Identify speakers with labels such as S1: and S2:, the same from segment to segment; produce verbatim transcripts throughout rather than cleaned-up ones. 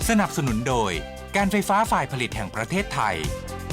S1: สนับสนุนโดยการไฟฟ้าฝ่ายผลิตแห่งประเทศไทย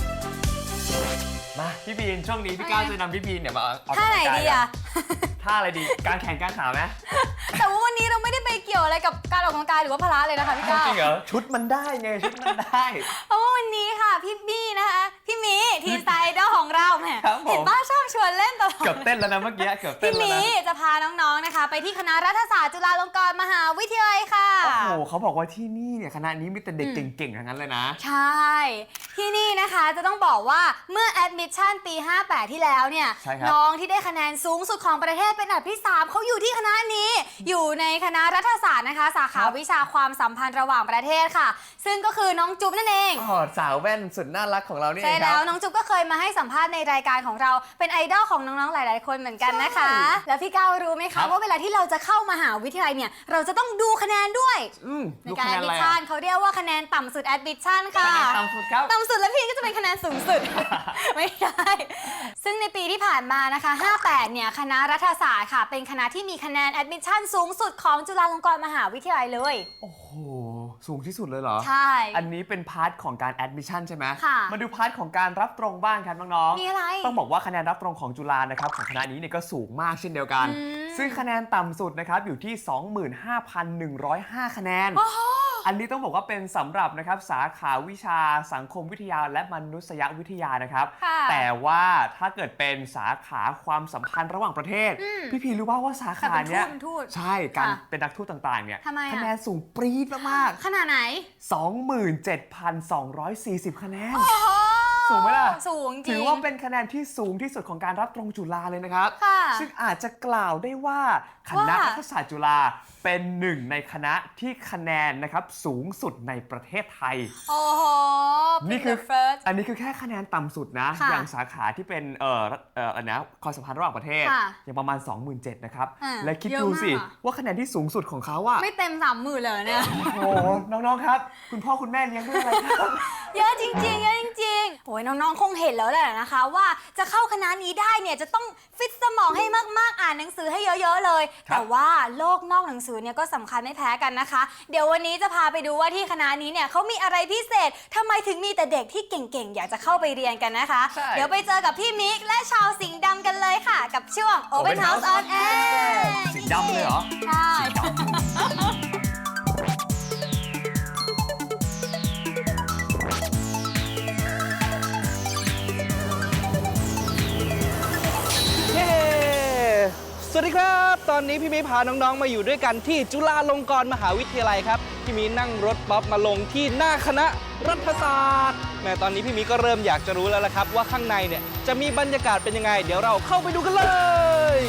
S2: มาพี่บีนช่วงนี้พี่ก้าวจะนำพี่บีนเนี่ยมาออกกำลังกาย
S3: ท่าไหนดีอะ
S2: ท่าอะไรดีการแข่งการขาไหม
S3: แต่ว่าวันนี้เราไม่ได้ไปเกี่ยวอะไรกับการออกกำลังกายหรือว่าพละเลยนะคะพี่ก้าว
S2: จริงเหรอชุดมันได้ไงชุดมันได้
S3: เพราะว่าวันนี้ค่ะพี่บี้นะคะพี่มีทีมไซเดอร์ของเราแหม
S2: ครับผม
S3: เห็นป้าชอบชวนเล่นตลอด
S2: เกือบเต้นแล้วนะเมื่อกี้เกือบเต้
S3: พี่
S2: นแล้ว
S3: มี
S2: นะ
S3: จะพาน้องๆนะคะ ไปที่คณะรัฐศาสตร์จุฬาลงกรณ์มหาวิทยาลัยค่ะ
S2: โอ้โหเขาบอกว่าที่นี่เนี่ยคณะนี้มีแต่เด็กเก่งๆทั้งนั้นเลยนะ
S3: ใช่ที่นี่นะคะจะต้องบอกว่าเมื่อแอดมิชชั่นปีห้าแปดที่แล้วเนี่ยน้องที่ได้คะแนนสูงสุดของประเทศเป็นอันดับที่สามเขาอยู่ที่คณะนี้อยู่ในคณะรัฐศาสตร์นะคะสาขาวิชาความสัมพันธ์ระหว่างประเทศค่ะซึ่งก็คือน้องจุ๊บนั่นเอง
S2: อ๋อสาวแว่นสุดน่ารักของเรานี่เองครับ
S3: ใช่แล้วน้องจุ๊บก็เคยมาให้สัมภาษณ์ในรายการของเราเป็นไอดอลของน้องๆหลายๆคนเหมือนกันนะคะแล้วพี่ก้าวรู้ไหมคะว่าเวลาที่เราจะเข้ามหาวิทยาลัยเนี่ยเราจะต้องดูคะแนนด้วยในการแอดมิชชั่นเขาเรียกว่าคะแนนต่ำสุดแอดมิชชั่นค่ะ
S2: คะแนนต่ำสุดครับ
S3: ต่ำสุดแล้วพี่ก็จะเป็นคะแนนสูงสุด ไม่ได้ซึ่งในปีที่ผ่านมานะคะห้าแปดเนี่ยคณะรัฐศาสตร์ค่ะเป็นคณะที่มีคะแนนแอดมิชชั่นสูงสุดของจุฬาลงกรณ์มหาวิทยาลัยเลย
S2: โอ้โหสูงที่สุดเลยเหรอ
S3: ใช่
S2: อันนี้เป็นพาร์ทของการแอดมิชชั่นใช่ไหม
S3: ค่ะ
S2: มาดูพาร์ทของการรับตรงบ้างครับน้องๆ
S3: มีอะไร
S2: ต้องบอกว่าคะแนนรับตรงของจุฬานะครับของคณะนี้เนี่ยก็สูงมากเช่นเดียวกันซึ่งคะแนนต่ำสุดนะครับอยู่ที่ สองหมื่นห้าพันหนึ่งร้อยห้า คะแนนอันนี้ต้องบอกว่าเป็นสำหรับนะครับสาขาวิชาสังคมวิทยาและมนุษยวิทยานะครับแต่ว่าถ้าเกิดเป็นสาขาความสัมพันธ์ระหว่างประเทศพี่พีรู้ว่าว่าสาขาเนี้ยใช่การเป็นนักทูตต่างๆเนี่ยคะแนนสูงปรี๊ดมาก
S3: ๆขนาดไหน
S2: สองหมื่นเจ็ดพันสองร้อยสี่สิบ คะแนนสูงไหมล่ะ
S3: สูงจริง
S2: ถือว่าเป็นคะแนนที่สูงที่สุดของการรับตรงจุฬาเลยนะครับซึ่งอาจจะกล่าวได้ว่าคณะรัฐศาสตร์จุฬาเป็นหนึ่งในคณะที่คะแนนนะครับสูงสุดในประเทศไทย
S3: โอ้โห
S2: นี่คืออันนี้คือแค่คะแนนต่ำสุดนะอย่างสาขาที่เป็นเอ่อเอ่อนะความสัมพันธ์ระหว่างประเทศอย่างประมาณ สองหมื่นเจ็ดพัน นะครับและคิดดูสิว่าคะแนนที่สูงสุดของเขาอะ
S3: ไม่เต็มสามหมื่นเลยเนี่ย
S2: โอ้น้องๆครับคุณพ่อคุณแม่เลี้ยงด้วยอะไรครับ
S3: เยอะจริงๆเยอะจริงๆโอ้ยน้องๆคงเห็นแล้วแหละนะคะว่าจะเข้าคณะนี้ได้เนี่ยจะต้องฟิตสมองให้มากๆอ่านหนังสือให้เยอะๆเลยแต่ว่าโลกนอกหนังสือเนี่ยก็สำคัญไม่แพ้กันนะคะเดี๋ยววันนี้จะพาไปดูว่าที่คณะนี้เนี่ยเขามีอะไรพิเศษทำไมถึงมีแต่เด็กที่เก่งๆอยากจะเข้าไปเรียนกันนะคะเดี๋ยวไปเจอกับพี่มิกและชาวสิงห์ดำกันเลยค่ะกับช่วง Open House on Air
S2: สิงห์ดำเลยเหรอ
S3: ใช่
S4: สวัสดีครับตอนนี้พี่มีพาน้องๆมาอยู่ด้วยกันที่จุฬาลงกรณ์มหาวิทยาลัยครับพี่มีนั่งรถบัสมาลงที่หน้าคณะรัฐศาสตร์แม้ตอนนี้พี่มีก็เริ่มอยากจะรู้แล้วละครับว่าข้างในเนี่ยจะมีบรรยากาศเป็นยังไงเดี๋ยวเราเข้าไปดูกันเลย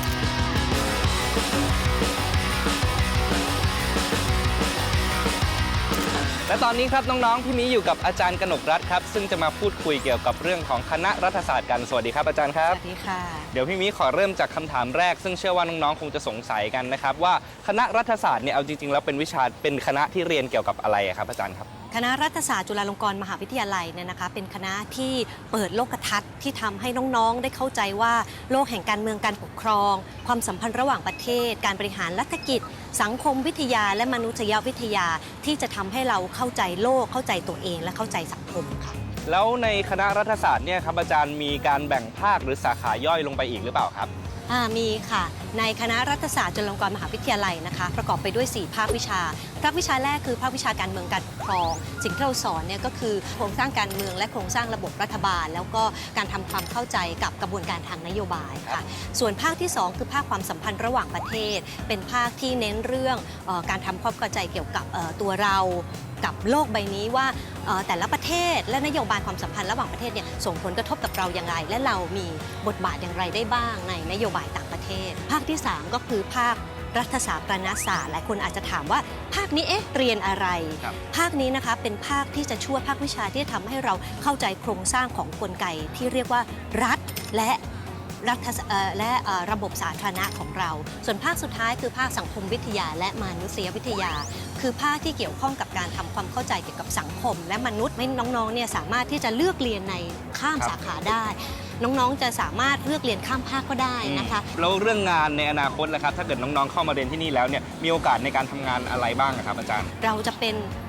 S4: และตอนนี้ครับน้องๆพี่มีอยู่กับอาจารย์กนกรัตน์ครับซึ่งจะมาพูดคุยเกี่ยวกับเรื่องของคณะรัฐศาสตร์กันสวัสดีครับอาจารย์ครับ
S5: สวัสดีค่ะ
S4: เดี๋ยวพี่มีขอเริ่มจากคำถามแรกซึ่งเชื่อว่าน้องๆคงจะสงสัยกันนะครับว่าคณะรัฐศาสตร์เนี่ยเอาจริงๆแล้วเป็นวิชาเป็นคณะที่เรียนเกี่ยวกับอะไรครับอาจารย์ครับ
S5: คณะรัฐศาสตร์จุฬาลงกรณ์มหาวิทยาลัยเนี่ยนะคะเป็นคณะที่เปิดโลกทัศน์ที่ทำให้น้องๆได้เข้าใจว่าโลกแห่งการเมืองการปกครองความสัมพันธ์ระหว่างประเทศการบริหารรัฐกิจสังคมวิทยาและมนุษยวิทยาที่จะทำให้เราเข้าใจโลกเข้าใจตัวเองและเข้าใจสังคมค่ะ
S4: แล้วในคณะรัฐศาสตร์เนี่ยครับอาจารย์มีการแบ่งภาคหรือสาขาย่อยลงไปอีกหรือเปล่าครับ
S5: มีค่ะในคณะรัฐศาสตร์จุฬาลงกรณ์มหาวิทยาลัยนะคะประกอบไปด้วยสี่ภาควิชาภาควิชาแรกคือภาควิชาการเมืองการปกครองสิ่งที่เราสอนเนี่ยก็คือโครงสร้างการเมืองและโครงสร้างระบบรัฐบาลแล้วก็การทำความเข้าใจกับกระบวนการทางนโยบายค่ะส่วนภาคที่สองคือภาคความสัมพันธ์ระหว่างประเทศเป็นภาคที่เน้นเรื่องเอ่อการทำความเข้าใจเกี่ยวกับเอ่อตัวเรากับโลกใบนี้ว่าแต่ละประเทศและนโยบายความสัมพันธ์ระหว่างประเทศเนี่ยส่งผลกระทบกับเราอย่างไรและเรามีบทบาทอย่างไรได้บ้างในนโยบายต่างประเทศภาคที่สามก็คือภาครัฐศาสตร์ประณศาสตร์หลายคนอาจจะถามว่าภาคนี้เอ๊ะเรียนอะไรภาคนี้นะคะเป็นภาคที่จะช่วยภาควิชาที่ทำให้เราเข้าใจโครงสร้างของกลไกที่เรียกว่ารัฐและรัฐและระบบสาธารณะของเราส่วนภาคสุดท้ายคือภาคสังคมวิทยาและมนุษยวิทยาคือภาคที่เกี่ยวข้องกับการทำความเข้าใจเกี่ยวกับสังคมและมนุษย์ให้น้องๆเนี่ยสามารถที่จะเลือกเรียนในข้ามสาขาได้น้องๆจะสามารถเลือกเรียนข้ามภาคก็ได้นะคะ
S4: แล้วเรื่องงานในอนาคตล่ะครับถ้าเกิดน้องๆเข้ามาเรียนที่นี่แล้วเนี่ยมีโอกาสในการทำงานอะไรบ้างครับอาจารย์
S5: เราจะเป็น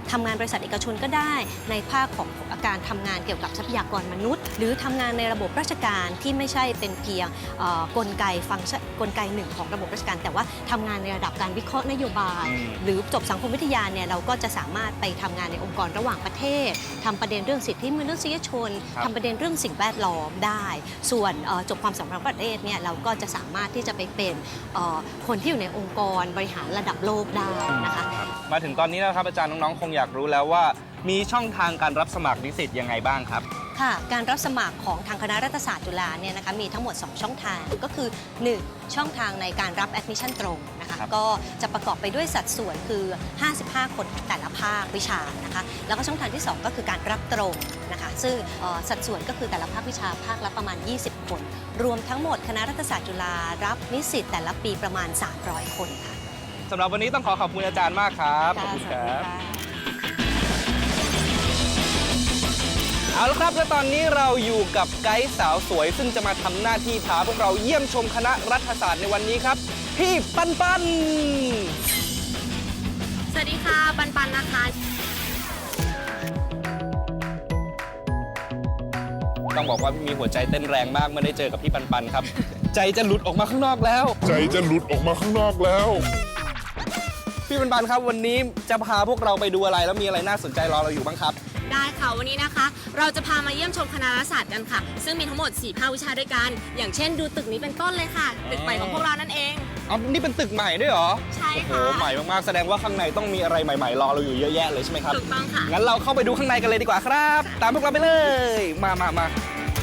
S5: ทำงานบริษัทเอกชนก็ได้ในภาคของการทำงานเกี่ยวกับทรัพยากรมนุษย์ หรือทำงานในระบบราชการที่ไม่ใช่เป็นเพียงเอ่อกลไกฟังก์ชันกลไกหนึ่งของระบบราชการ แต่ว่าทำงานในระดับการวิเคราะห์นโยบาย หรือจบสังคมวิทยาเนี่ยเราก็จะสามารถไปทำงานในองค์กรระหว่างประเทศทำประเด็นเรื่องสิทธิมนุษยชนทำประเด็นเรื่องสิ่งแวดล้อมได้ ส่วนเอ่อจบความสัมพันธ์ประเทศเนี่ยเราก็จะสามารถที่จะไปเป็นเอ่อคนที่อยู่ในองค์กรบริหารระดับโลกได้นะคะ
S4: มาถึงตอนนี้แล้วครับอาจารย์น้องๆคงอยากรู้แล้วว่ามีช่องทางการรับสมัครนิสิตยังไงบ้างครับ
S5: ค่ะการรับสมัครของทางคณะรัฐศาสตร์จุฬาเนี่ยนะคะมีทั้งหมด สอง ช่องทางก็คือ หนึ่ง ช่องทางในการรับแอดมิชชั่นตรงนะคะก็จะประกอบไปด้วยสัดส่วนคือ ห้าสิบห้า คนแต่ละภาควิชานะคะแล้วก็ช่องทางที่ สอง ก็คือการรับตรงนะคะซึ่งสัดส่วนก็คือแต่ละภาควิชาภาคละประมาณ ยี่สิบ คน รวมทั้งหมดคณะรัฐศาสตร์จุฬารับนิสิตแต่ละปีประมาณ สามร้อย คนค่ะ
S4: สำหรับวันนี้ต้องขอขอบคุณอาจารย์มากครับขอบคุณครับ เอาละครับและตอนนี้เราอยู่กับไกด์สาวสวยซึ่งจะมาทำหน้าที่พาพวกเราเยี่ยมชมคณะรัฐศาสตร์ในวันนี้ครับพี่ปันปัน
S6: สวัสดีค่ะ ปันปันนะคะ
S4: ต้องบอกว่ามีหัวใจเต้นแรงมากเมื่อได้เจอกับพี่ปันปันครับ ใจจะหลุดออกมาข้างนอกแล้ว
S7: ใจจะหลุดออกมาข้างนอกแล้ว
S4: พี่ปันปันครับวันนี้จะพาพวกเราไปดูอะไรแล้วมีอะไรน่าสนใจรอเราอยู่บ้างครับ
S6: ได้ค่ะ วันนี้นะคะ เราจะพามาเยี่ยมชมคณะรัฐศาสตร์กันค่ะ ซึ่งมีทั้งหมด สี่ ภาควิชาด้วยกัน อย่างเช่นดูตึกนี้เป็นต้นเลยค่ะ ตึกใหม่ของพวกเรานั่นเอง
S4: อ๋อ นี่เป็นตึกใหม่ด้วยเหรอ
S6: ใช่
S4: โอ้โห
S6: ค่ะ
S4: ใหม่มากๆ แสดงว่าข้างในต้องมีอะไรใหม่ๆ รอเราอยู่เยอะแยะเลยใช่ไหมครับ
S6: ถูกต้องค่ะ
S4: งั้นเราเข้าไปดูข้างในกันเลยดีกว่าครับ ตามพวกเราไปเลย มามามา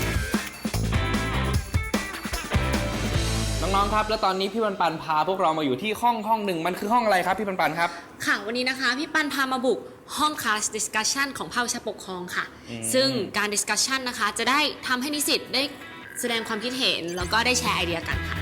S4: น้องๆ ครับ แล้วตอนนี้พี่ปันปันพาพวกเรามาอยู่ที่ห้องห้องหนึ่งมันคือห้องอะไรครับพี่ปันปันครับ
S6: ค่ะ วันนี้นะคะ พี่ปันพามาบุกห้อง class discussion ของภาควิชาปกครองค่ะ ซึ่งการ discussion นะคะ จะได้ทำให้นิสิตได้แสดงความคิดเห็น แล้วก็ได้แชร์ไอเดียกันค่ะ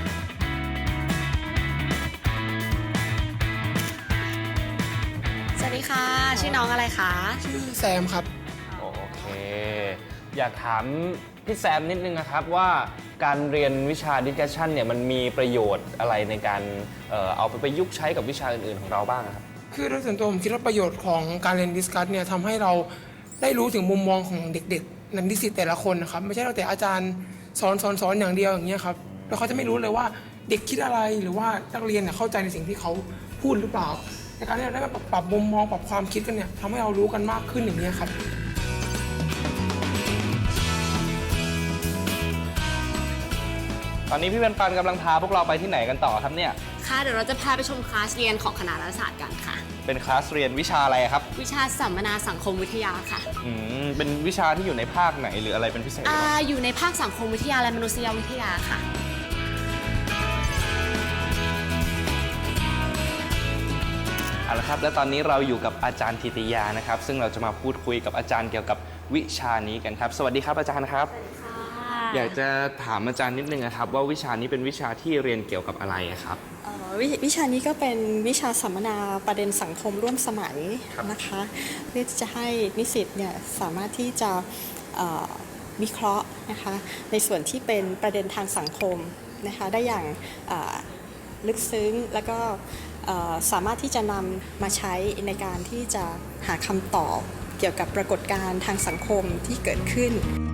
S6: สวัสดีค่ะ ชื่อน้องอะไรคะ
S8: ชื่อแซมครับ
S4: โอเค อยากถามพี่แซมนิดนึงนะครับว่าการเรียนวิชา discussion เนี่ยมันมีประโยชน์อะไรในการเอ่อเอาไปประยุกต์ใช้กับวิชาอื่นๆของเราบ้างครับ
S8: คือโดยส่วนตัวผมคิดว่าประโยชน์ของการเรียนดิสคัสเนี่ยทำให้เราได้รู้ถึงมุมมองของเด็กๆนักนิสิตแต่ละคนนะครับไม่ใช่เราแต่อาจารย์สอนสอนสอนอย่างเดียวอย่างเงี้ยครับแล้วเขาจะไม่รู้เลยว่าเด็กคิดอะไรหรือว่านักเรียนเนี่ยเข้าใจในสิ่งที่เขาพูดหรือเปล่าในการที่เราได้มาปรับมุมมองปรับความคิดกันเนี่ยทำให้เรารู้กันมากขึ้นอย่างเงี้ยครับ
S4: ตอนนี้พี่ปันปันกำลังพาพวกเราไปที่ไหนกันต่อครับเนี่ย
S6: ค่ะ เดี๋ยวเราจะพาไปชมคลาสเรียนของคณะรัฐศาสตร์กันค่ะ
S4: เป็นคลาสเรียนวิชาอะไรครับ
S6: วิชาสัมมนาสังคมวิทยาค่ะ
S4: อืมเป็นวิชาที่อยู่ในภาคไหนหรืออะไรเป็นพิเศษไหม
S6: อ่า
S4: ครับ
S6: อยู่ในภาคสังคมวิทยาและมนุษยวิทยาค่ะ
S4: เอาละครับและตอนนี้เราอยู่กับอาจารย์ธิติยานะครับซึ่งเราจะมาพูดคุยกับอาจารย์เกี่ยวกับวิชานี้กันครับสวัสดีครับอาจารย์ครับอยากจะถามอาจารย์นิดนึงนะครับว่าวิชานี้เป็นวิชาที่เรียนเกี่ยวกับอะไรครับ
S9: เอ่อววิชานี้ก็เป็นวิชาสัมมนาประเด็นสังคมร่วมสมัย
S4: ครับ
S9: นะคะเพื่อที่จะให้นิสิตเนี่ยสามารถที่จะเอ่อวิเคราะห์นะคะในส่วนที่เป็นประเด็นทางสังคมนะคะได้อย่างเอ่อลึกซึ้งแล้วก็เอ่อสามารถที่จะนำมาใช้ในการที่จะหาคำตอบเกี่ยวกับปรากฏการณ์ทางสังคมที่เกิดขึ้น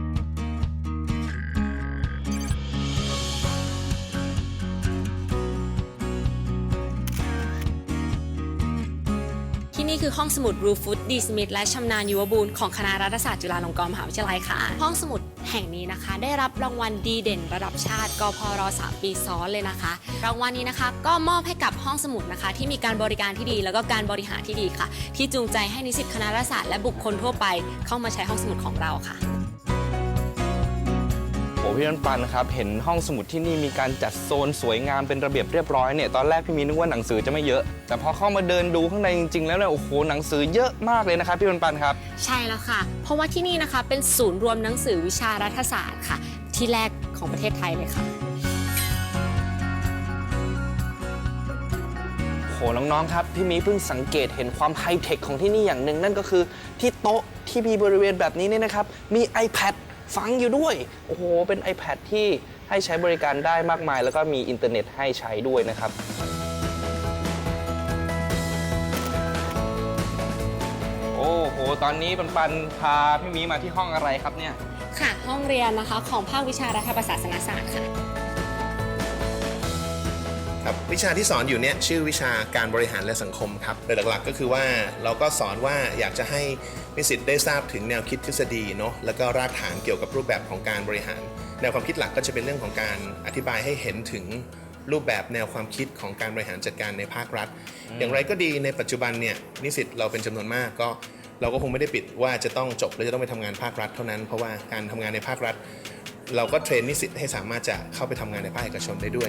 S6: ที่นี่คือห้องสมุดรูฟุตดีสมิธและชำนาญยุวบูรณ์ของคณะรัฐศาสตร์จุฬาลงกรณ์มหาวิทยาลัยค่ะ ห้องสมุดแห่งนี้นะคะ ได้รับรางวัลดีเด่นระดับชาติกพรสามปีซ้อนเลยนะคะ รางวัลนี้นะคะก็มอบให้กับห้องสมุดนะคะ ที่มีการบริการที่ดีแล้วก็การบริหารที่ดีค่ะ ที่จูงใจให้นิสิตคณะรัฐศาสตร์และบุคคลทั่วไปเข้ามาใช้ห้องสมุดของเราค่ะ
S4: โอ้พี่ปันปันครับเห็นห้องสมุดที่นี่มีการจัดโซนสวยงามเป็นระเบียบเรียบร้อยเนี่ยตอนแรกพี่มีนึกว่าหนังสือจะไม่เยอะแต่พอเข้ามาเดินดูข้างในจริงๆแล้วเนี่ยโอ้โหหนังสือเยอะมากเลยนะครับพี่ปันปันครับ
S6: ใช่แล้วค่ะ เพราะว่าที่นี่นะคะเป็นศูนย์รวมหนังสือวิชารัฐศาสตร์ค่ะ ที่แรกของประเทศไทยเลยค่ะ
S4: โหน้องๆครับพี่มีเพิ่งสังเกตเห็นความไฮเทคของที่นี่อย่างหนึ่งนั่นก็คือที่โต๊ะที่มีบริเวณแบบนี้เนี่ยนะครับมี iPad ฝังอยู่ด้วยโอ้โหเป็น iPad ที่ให้ใช้บริการได้มากมายแล้วก็มีอินเทอร์เน็ตให้ใช้ด้วยนะครับโอ้ตอนนี้ปันปันพาพี่มีมาที่ห้องอะไรครับเนี่ย
S6: ค่ะ ห้องเรียนนะคะของภาควิชารัฐประศาสนศาสตร์ค่ะ
S10: ครับวิชาที่สอนอยู่เนี่ยชื่อวิชาการบริหารและสังคมครับโดยหลักๆก็คือว่าเราก็สอนว่าอยากจะให้นิสิตได้ทราบถึงแนวคิดทฤษฎีเนาะแล้วก็รากฐานเกี่ยวกับรูปแบบของการบริหารแนวความคิดหลักก็จะเป็นเรื่องของการอธิบายให้เห็นถึงรูปแบบแนวความคิดของการบริหารจัดการในภาครัฐ อย่างไรก็ดีในปัจจุบันเนี่ยนิสิตเราเป็นจำนวนมากก็เราก็คงไม่ได้ปิดว่าจะต้องจบแล้วจะต้องไปทำงานภาครัฐเท่านั้นเพราะว่าการทำงานในภาครัฐ เราก็เทรนนิสิตให้สามารถจะเข้าไปทำงานในภาคเอกชนได้ด้วย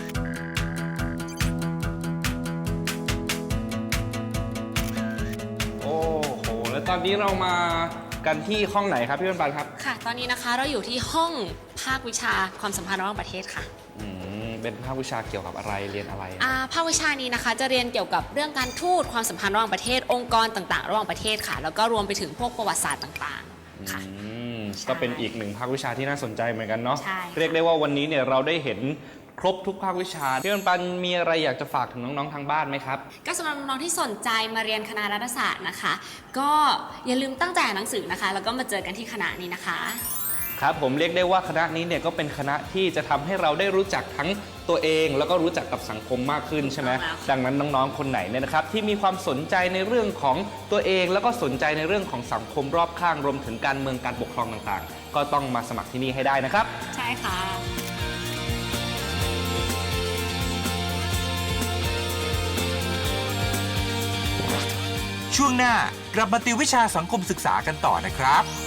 S4: โอ้โห แล้วตอนนี้เรามากันที่ห้องไหนครับพี่ปันปันครับ
S6: ค่ะ ตอนนี้นะคะเราอยู่ที่ห้องภาควิชาความสัมพันธ์ระหว่างประเทศค่ะ
S4: อืม เป็นภาควิชาเกี่ยวกับอะไร เรียนอะไร
S6: อ่าภาควิชานี้นะคะจะเรียนเกี่ยวกับเรื่องการทูตความสัมพันธ์ระหว่างประเทศองค์กรต่างๆ ระหว่างประเทศค่ะ แล้วก็รวมไปถึงพวกประวัติศาสตร์ต่างๆค่ะ
S4: อืม
S6: ใช่
S4: ก็เป็นอีกหนึ่งภาควิชาที่น่าสนใจเหมือนกันเนาะ
S6: ใช่ค่ะ
S4: เรียกได้ว่าวันนี้เนี่ยเราได้เห็นครบทุกภาควิชาพี่ปันปันมีอะไรอยากจะฝากถึงน้องๆทางบ้านไหมครับ
S6: ก็สำหรับน้องๆที่สนใจมาเรียนคณะรัฐศาสตร์นะคะ ก็อย่าลืมตั้งใจอ่านหนังสือนะคะ แล้วก็มาเจอกันที่คณะนี้นะคะ
S4: ครับผมเรียกได้ว่าคณะนี้เนี่ยก็เป็นคณะที่จะทำให้เราได้รู้จักทั้งตัวเอง แล้วก็รู้จักกับสังคมมากขึ้นใช่ไหม
S6: ถูกต้องแล้วค่ะ
S4: ดังนั้นน้องๆคนไหนเนี่ยนะครับที่มีความสนใจในเรื่องของตัวเอง แล้วก็สนใจในเรื่องของสังคมรอบข้างรวมถึงการเมืองการปกครองต่างๆ ก็ต้องมาสมัครที่นี่ให้ได้นะครับ
S6: ใช่ค่ะ
S1: ช่วงหน้ากลับมาติววิชาสังคมศึกษากันต่อนะครับ